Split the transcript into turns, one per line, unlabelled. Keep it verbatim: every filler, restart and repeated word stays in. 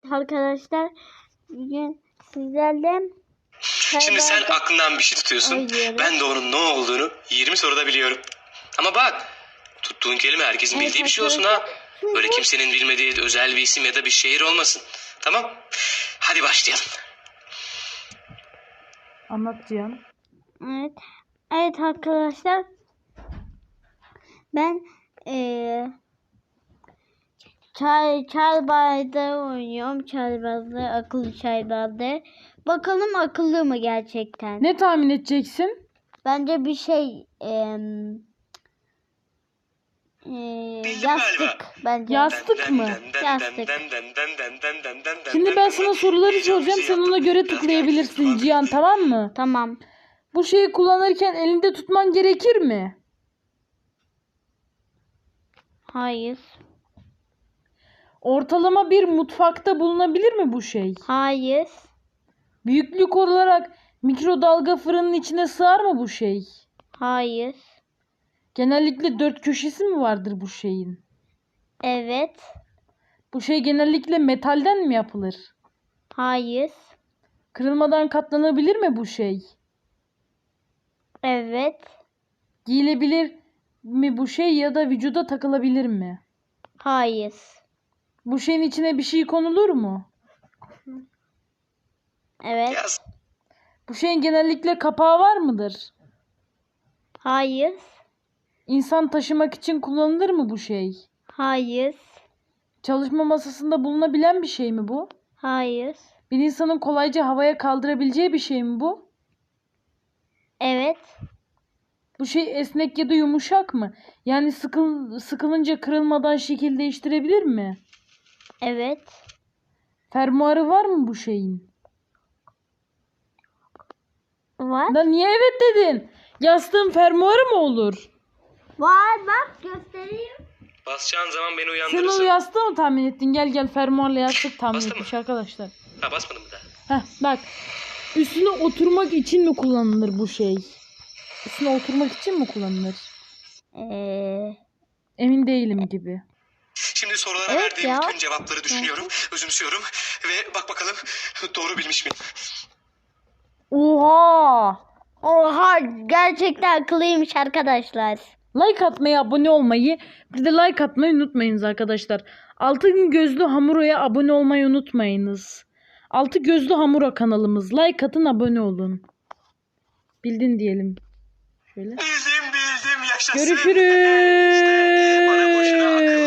Arkadaşlar bugün sizlerle
Şimdi sen aklından bir şey tutuyorsun.
Oynuyorum.
Ben de onun ne olduğunu yirmi soruda biliyorum. Ama bak, tuttuğun kelime herkesin
Evet,
bildiği bir şey olsun ha. Böyle kimsenin bilmediği özel bir isim ya da bir şehir olmasın. Tamam? Hadi başlayalım.
Anlat Cihan.
Evet. Evet arkadaşlar. Ben eee çay çay bardağı oynuyorum. Çay bardağı, akıllı çay bardağı. Bakalım akıllı mı gerçekten?
Ne tahmin edeceksin?
Bence bir şey em, eee,
Bildim
yastık
galiba.
bence.
Yastık mı?
Yastık.
Şimdi ben sana soruları soracağım. Sen ona göre tıklayabilirsin Cihan, tamam mı?
Tamam.
Bu şeyi kullanırken elinde tutman gerekir mi?
Hayır.
Ortalama bir mutfakta bulunabilir mi bu şey?
Hayır.
Büyüklük olarak mikrodalga fırının içine sığar mı bu şey?
Hayır.
Genellikle dört köşesi mi vardır bu şeyin?
Evet.
Bu şey genellikle metalden mi yapılır?
Hayır.
Kırılmadan katlanabilir mi bu şey?
Evet.
Giyilebilir mi bu şey ya da vücuda takılabilir mi?
Hayır.
Bu şeyin içine bir şey konulur mu?
Evet.
Bu şeyin genellikle kapağı var mıdır?
Hayır.
İnsan taşımak için kullanılır mı bu şey?
Hayır.
Çalışma masasında bulunabilen bir şey mi bu?
Hayır.
Bir insanın kolayca havaya kaldırabileceği bir şey mi bu?
Evet.
Bu şey esnek ya da yumuşak mı? Yani sıkıl, sıkılınca kırılmadan şekil değiştirebilir mi?
Evet.
Fermuarı var mı bu şeyin?
Var.
Da niye evet dedin? Yastığın fermuarı mı olur?
Var bak göstereyim.
Basacağın zaman beni
Sen o
uyandırırsın.
yastığı mı tahmin ettin? Gel gel fermuarla yastık tahmin
Bastın
etmiş
mı?
arkadaşlar.
Ha, basmadın mı daha?
Heh bak. Üstüne oturmak için mi kullanılır bu şey? Üstüne oturmak için mi kullanılır?
Ee,
Emin değilim gibi.
Şimdi sorulara
Evet
verdiğim
ya.
bütün cevapları düşünüyorum, özümsüyorum ve bak bakalım doğru bilmiş miyim?
Oha!
oha gerçekten akıllıymış arkadaşlar.
Like atmayı, abone olmayı, bir de like atmayı unutmayınız arkadaşlar. Altın Gözlü Hamuro'ya abone olmayı unutmayınız. Altı Gözlü Hamuro kanalımız. Like atın, abone olun. Bildin diyelim. Şöyle.
Bildim bildim, yaşasın.
Görüşürüz.
İşte bana boşuna akıl